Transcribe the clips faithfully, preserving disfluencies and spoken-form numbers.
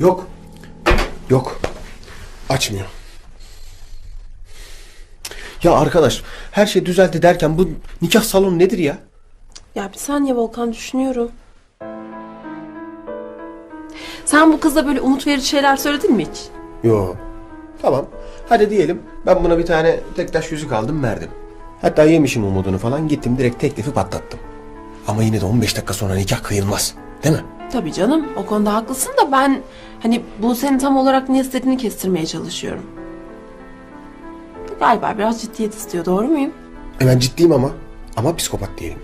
Yok. Yok. Açmıyor. Ya arkadaş, her şey düzeldi derken bu nikah salonu nedir ya? Ya bir saniye Volkan, düşünüyorum. Sen bu kıza böyle umut verici şeyler söyledin mi hiç? Yo. Tamam. Hadi diyelim ben buna bir tane tek taş yüzük aldım verdim. Hatta yemişim umudunu falan, gittim direkt teklifi patlattım. Ama yine de on beş dakika sonra nikah kıyılmaz. Değil mi? Tabii canım, o konuda haklısın da ben hani bu senin tam olarak ne istediğini kestirmeye çalışıyorum. Galiba biraz ciddiyet istiyor, doğru muyum? E ben ciddiyim ama. Ama psikopat diyelim.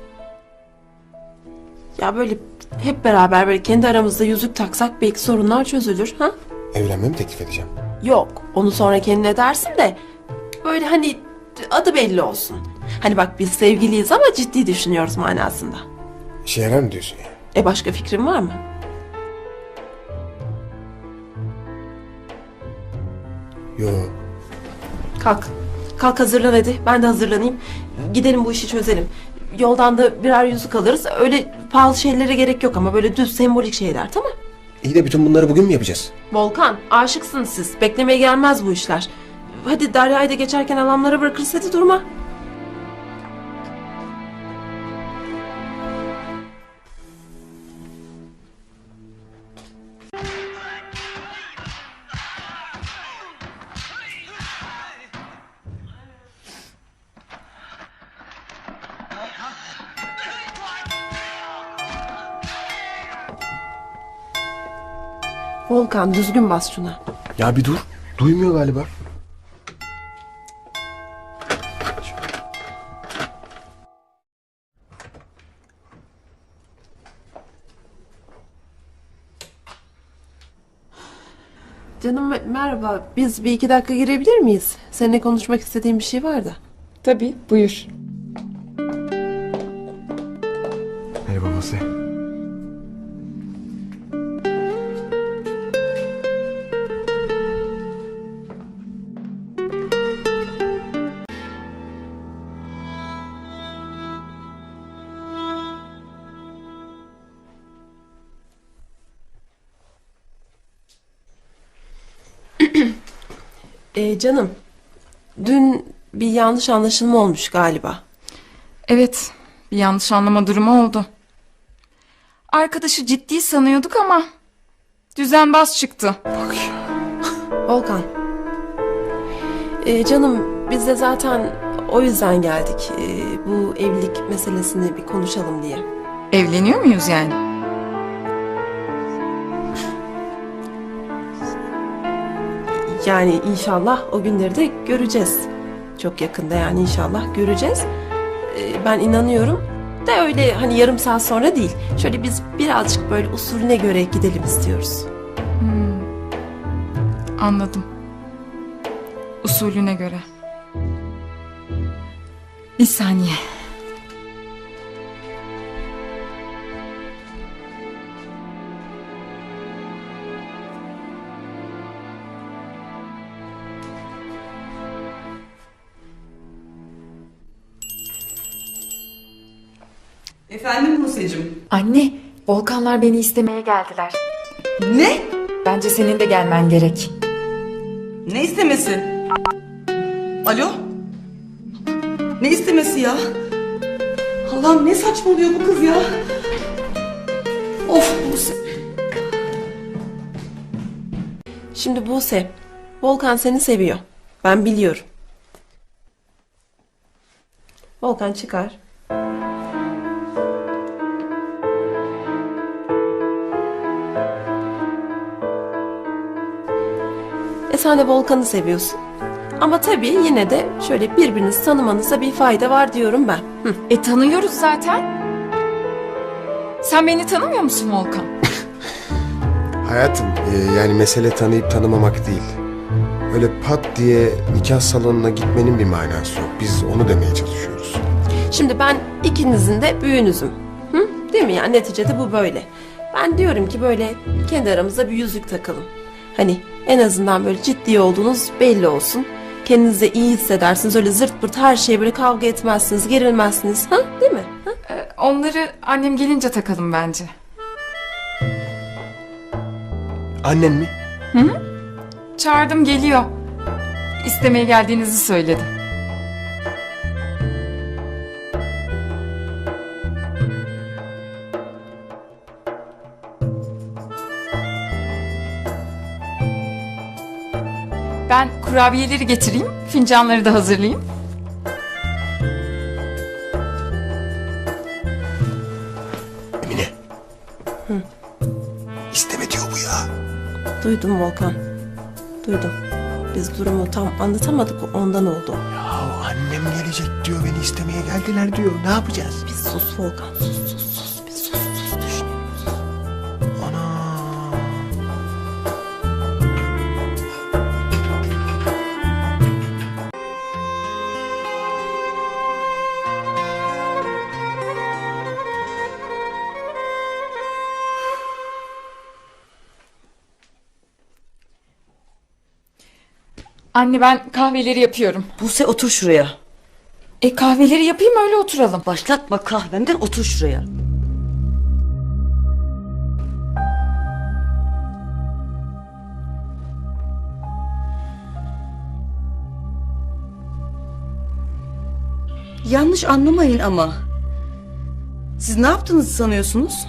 Ya böyle hep beraber böyle kendi aramızda yüzük taksak belki sorunlar çözülür, ha? Evlenme mi teklif edeceğim? Yok, onu sonra kendine dersin de böyle hani adı belli olsun. Hani bak biz sevgiliyiz ama ciddi düşünüyoruz manasında. İşe yarar mı diyorsun ya? E başka fikrin var mı? Yo. Kalk. Kalk hazırlan hadi. Ben de hazırlanayım. Gidelim bu işi çözelim. Yoldan da birer yüzük alırız. Öyle pahalı şeylere gerek yok ama böyle düz sembolik şeyler, tamam? İyi de bütün bunları bugün mü yapacağız? Volkan, aşıksınız siz. Beklemeye gelmez bu işler. Hadi Derya'yı da geçerken alamlara bırakırız, hadi durma. Volkan, düzgün bas şuna. Ya bir dur. Duymuyor galiba. Canım me- merhaba. Biz bir iki dakika girebilir miyiz? Seninle konuşmak istediğim bir şey var da. Tabii, buyur. Merhaba Buse. Ee, canım, dün bir yanlış anlaşılma olmuş galiba. Evet, bir yanlış anlama durumu oldu. Arkadaşı ciddi sanıyorduk ama düzenbaz çıktı. Bak ya. Volkan. Ee, canım, biz de zaten o yüzden geldik. Ee, bu evlilik meselesini bir konuşalım diye. Evleniyor muyuz yani? Yani inşallah o günleri de göreceğiz. Çok yakında yani inşallah göreceğiz. Ee, ben inanıyorum. De öyle hani yarım saat sonra değil. Şöyle biz birazcık böyle usulüne göre gidelim istiyoruz. Anladım. Usulüne göre. Bir saniye. Efendim Buse'cim. Anne, Volkanlar beni istemeye geldiler. Ne? Bence senin de gelmen gerek. Ne istemesi? Alo? Ne istemesi ya? Allah'ım ne saçmalıyor bu kız ya? Of Buse. Şimdi Buse, Volkan seni seviyor. Ben biliyorum. Volkan çıkar. E sen de Volkan'ı seviyorsun. Ama tabii yine de şöyle birbirinizi tanımanıza bir fayda var diyorum ben. Hı. E tanıyoruz zaten. Sen beni tanımıyor musun Volkan? Hayatım, e, yani mesele tanıyıp tanımamak değil. Öyle pat diye nikah salonuna gitmenin bir manası yok. Biz onu demeye çalışıyoruz. Şimdi ben ikinizin de büyüğünüzüm. Hı? Değil mi? Yani neticede bu böyle. Ben diyorum ki böyle kendi aramızda bir yüzük takalım. Hani en azından böyle ciddi olduğunuz belli olsun. Kendinizi iyi hissedersiniz. Öyle zırt pırt her şeye böyle kavga etmezsiniz, gerilmezsiniz. Ha? Değil mi? Ha? E, onları annem gelince takalım bence. Annen mi? Çağırdım, geliyor. İstemeye geldiğinizi söyledi. Ben kurabiyeleri getireyim, fincanları da hazırlayayım. Emine. İsteme diyor bu ya. Duydum Volkan. Duydum. Biz durumu tam anlatamadık, ondan oldu. Ya annem gelecek diyor, beni istemeye geldiler diyor. Ne yapacağız? Bir sus Volkan, sus sus sus. Bir sus sus düşünüyoruz. Ana. Anne, ben kahveleri yapıyorum. Buse otur şuraya. E kahveleri yapayım, öyle oturalım. Başlatma kahvenden, otur şuraya. Yanlış anlamayın ama. Siz ne yaptığınızı sanıyorsunuz?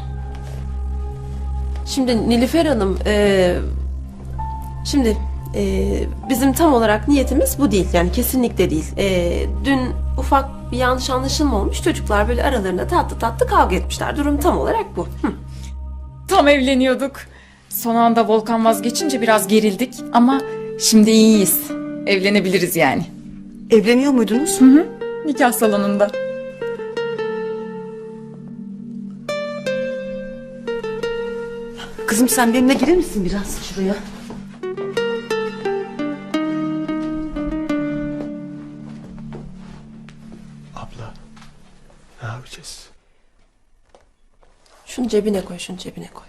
Şimdi Nilüfer Hanım, e, şimdi e, bizim tam olarak niyetimiz bu değil. Yani kesinlikle değil. E, dün ufak bir yanlış anlaşılma olmuş. Çocuklar böyle aralarında tatlı tatlı kavga etmişler. Durum tam olarak bu. Hı. Tam evleniyorduk. Son anda Volkan vazgeçince biraz gerildik ama şimdi iyiyiz. Evlenebiliriz yani. Evleniyor muydunuz? Hı hı. Nikah salonunda. Kızım sen benimle gelir misin biraz şuraya? Abla. Ne yapacağız? Şunu cebine koy, şunu cebine koy.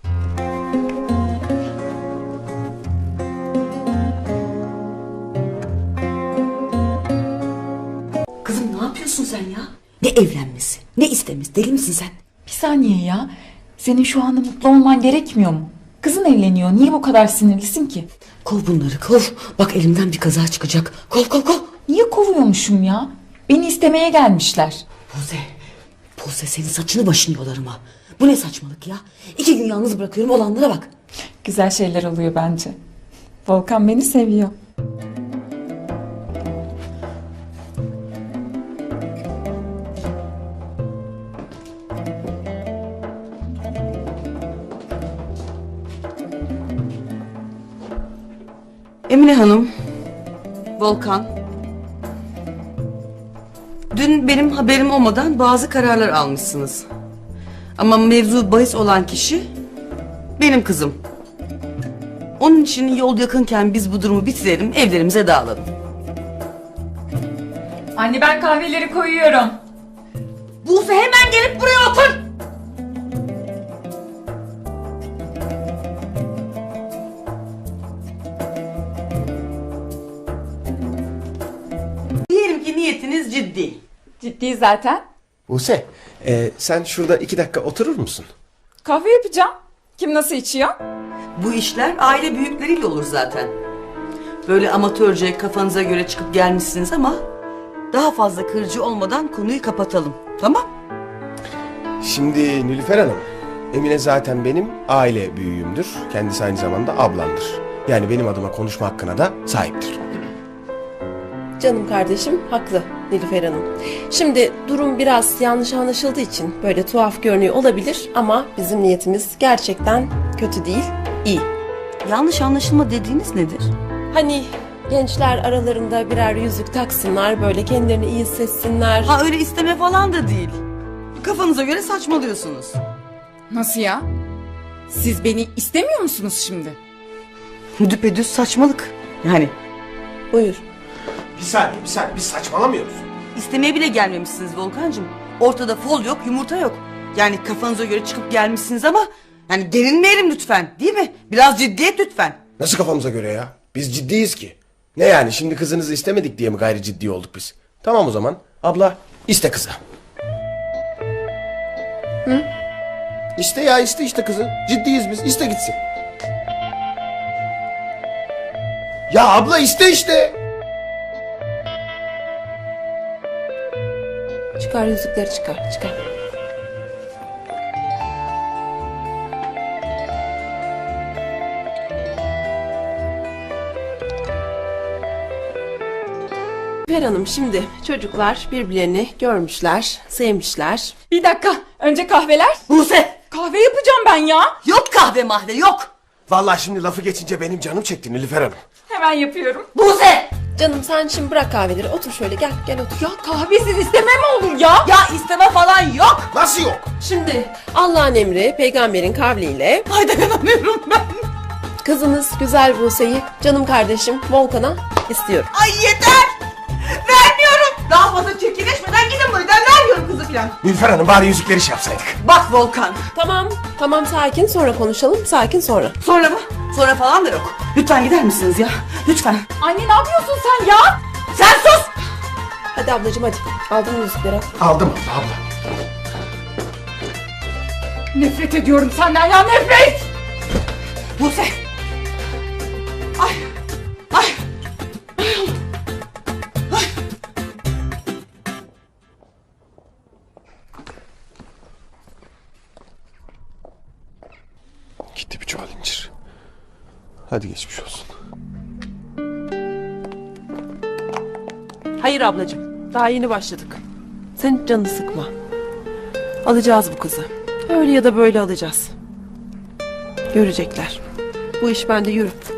Kızım ne yapıyorsun sen ya? Ne evlenmesi, ne istemesi, deli misin sen? Bir saniye ya. Senin şu anda mutlu olman gerekmiyor mu? Kızın evleniyor. Niye bu kadar sinirlisin ki? Kov bunları kov. Bak elimden bir kaza çıkacak. Kov kov kov. Niye kovuyormuşum ya? Beni istemeye gelmişler. Buse, Buse senin saçını başını yolarım ha. Bu ne saçmalık ya? İki gün yalnız bırakıyorum, olanlara bak. Güzel şeyler oluyor bence. Volkan beni seviyor. Emine Hanım, Volkan. Dün benim haberim olmadan bazı kararlar almışsınız. Ama mevzu bahis olan kişi benim kızım. Onun için yol yakınken biz bu durumu bitirelim, evlerimize dağılalım. Anne, ben kahveleri koyuyorum. Buse hemen gelip buraya otur. Diyelim ki niyetiniz ciddi. Ciddi zaten. Buse, e, sen şurada iki dakika oturur musun? Kahve yapacağım. Kim nasıl içiyor? Bu işler aile büyükleriyle olur zaten. Böyle amatörce kafanıza göre çıkıp gelmişsiniz ama daha fazla kırıcı olmadan konuyu kapatalım. Tamam? Şimdi Nilüfer Hanım, Emine zaten benim aile büyüğümdür. Kendisi aynı zamanda ablamdır. Yani benim adıma konuşma hakkına da sahiptir. Canım kardeşim haklı Nilüfer Hanım. Şimdi durum biraz yanlış anlaşıldığı için böyle tuhaf görünüyor olabilir ama bizim niyetimiz gerçekten kötü değil, iyi. Yanlış anlaşılma dediğiniz nedir? Hani gençler aralarında birer yüzük taksınlar, böyle kendilerini iyi hissetsinler. Ha öyle isteme falan da değil. Kafanıza göre saçmalıyorsunuz. Nasıl ya? Siz beni istemiyor musunuz şimdi? Düpedüz saçmalık. Yani Buyur. Bir saniye, bir saniye. Biz saçmalamıyoruz. istemeye bile gelmemişsiniz Volkancığım. Ortada fol yok, yumurta yok. Yani kafanıza göre çıkıp gelmişsiniz ama yani gerilmeyelim lütfen, değil mi? Biraz ciddiyet lütfen. Nasıl kafamıza göre ya? Biz ciddiyiz ki. Ne yani, şimdi kızınızı istemedik diye mi gayri ciddi olduk biz? Tamam o zaman. Abla iste kızı. Hı? İste ya, iste işte kızı. Ciddiyiz biz. İste gitsin. Ya abla iste işte. Çıkar yüzükleri çıkar çıkar. Nilüfer Hanım, şimdi çocuklar birbirlerini görmüşler, sevmişler. Bir dakika. Önce kahveler. Buse! Kahve yapacağım ben ya. Yok kahve mahve yok. Vallahi şimdi lafı geçince benim canım çekti Nilüfer Hanım. Hemen yapıyorum. Buse! Canım sen şimdi bırak kahveleri, otur şöyle, gel gel otur. Ya kahvesiz isteme mi olur ya? Ya isteme falan yok. Nasıl yok? Şimdi Allah'ın emri, peygamberin kavliyle Ay dayanamıyorum ben. kızınız güzel Buse'yi canım kardeşim Volkan'a istiyorum. Ay yeter. Vermiyorum. Daha fazla çirkinleşmeden gidin buradan. Vermiyorum kızı falan. Nilüfer Hanım bari yüzükleri şey yapsaydık. Bak Volkan. Tamam, tamam sakin, sonra konuşalım, sakin sonra. Sonra mı? Sonra falan da yok. Lütfen gider misiniz ya? Lütfen. Anne ne yapıyorsun sen ya? Sen sus. Hadi ablacığım hadi, aldın yüzükleri al. Aldım abla. Nefret ediyorum senden ya, nefret. Buse. Ay. Ay. Gitti bir çuval incir. Hadi geçmiş olsun. Hayır ablacığım, daha yeni başladık. Sen canını sıkma. Alacağız bu kızı. Öyle ya da böyle alacağız. Görecekler. Bu iş bende yürü.